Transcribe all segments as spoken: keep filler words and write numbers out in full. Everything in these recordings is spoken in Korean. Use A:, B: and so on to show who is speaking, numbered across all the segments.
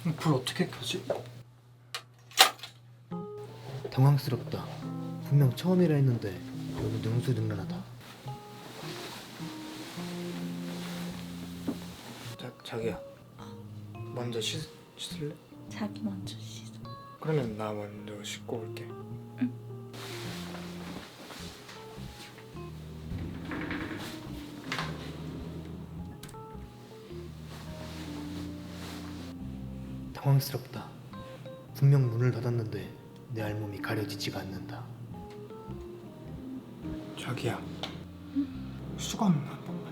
A: 불 어떻게 켜지?
B: 당황스럽다. 분명 처음이라 했는데 너무 능수능란하다.
A: 자, 자기야 먼저 씻, 씻을래?
C: 자기 먼저 씻어.
A: 그러면 나 먼저 씻고 올게.
B: 당황스럽다. 분명 문을 닫았는데 내 알몸이 가려지지가 않는다.
A: 자기야 수건 한 번만.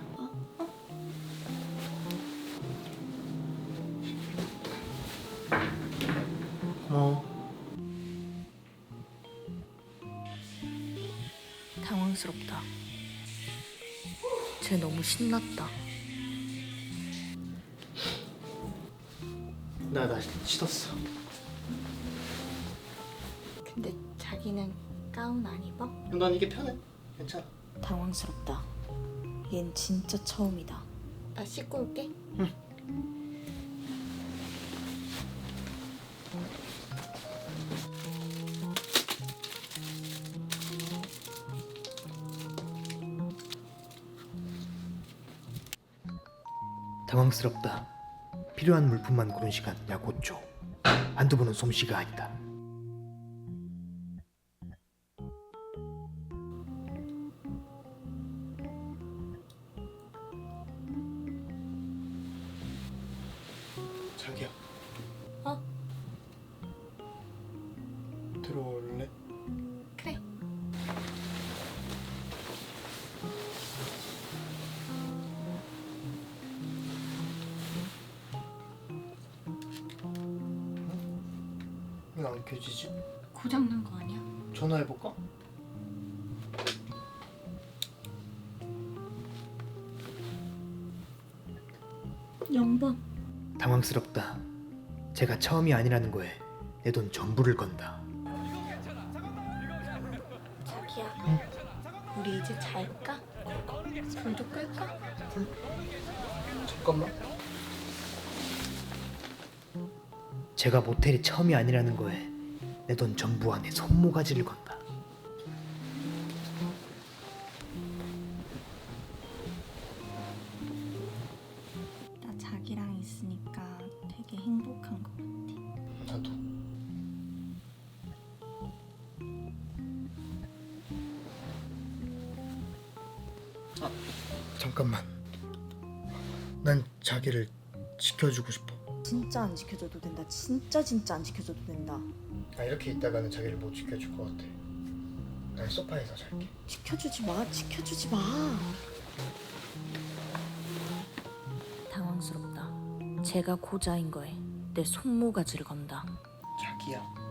A: 어?
C: 당황스럽다. 쟤 너무 신났다.
A: 나 나 씻었어.
C: 근데 자기는 가운 안 입어?
A: 난 이게 편해. 괜찮아.
C: 당황스럽다. 얜 진짜 처음이다. 나 씻고 올게.
B: 당황스럽다. 필요한 물품만 고른 시간 약 오 초. 한두 번은 솜씨가 아니다.
A: 자기야.
C: 어?
A: 들어올래?
C: 그래.
A: 왜 안 켜지지?
C: 고장난 거 아니야?
A: 전화해볼까?
C: 영 번.
B: 당황스럽다. 제가 처음이 아니라는 거에 내 돈 전부를 건다.
C: 자기야. 우리 이제 잘까? 불도 끌까?
A: 잠깐만.
B: 제가 모텔이 처음이 아니라는 거에 내 돈 전부와 내 손모가지를 건다.
C: 나 자기랑 있으니까 되게 행복한 것 같아.
A: 나도. 아 잠깐만. 난 자기를 지켜주고 싶어.
C: 진짜 안 지켜줘도 된다. 진짜 진짜 안 지켜줘도 된다.
A: 아 이렇게 있다가는 자기를 못 지켜줄 것 같아. 난 소파에서 잘게.
C: 지켜주지 마. 지켜주지 마. 당황스럽다. 제가 고자인 거에 내 손모가지를 건다.
A: 자기야.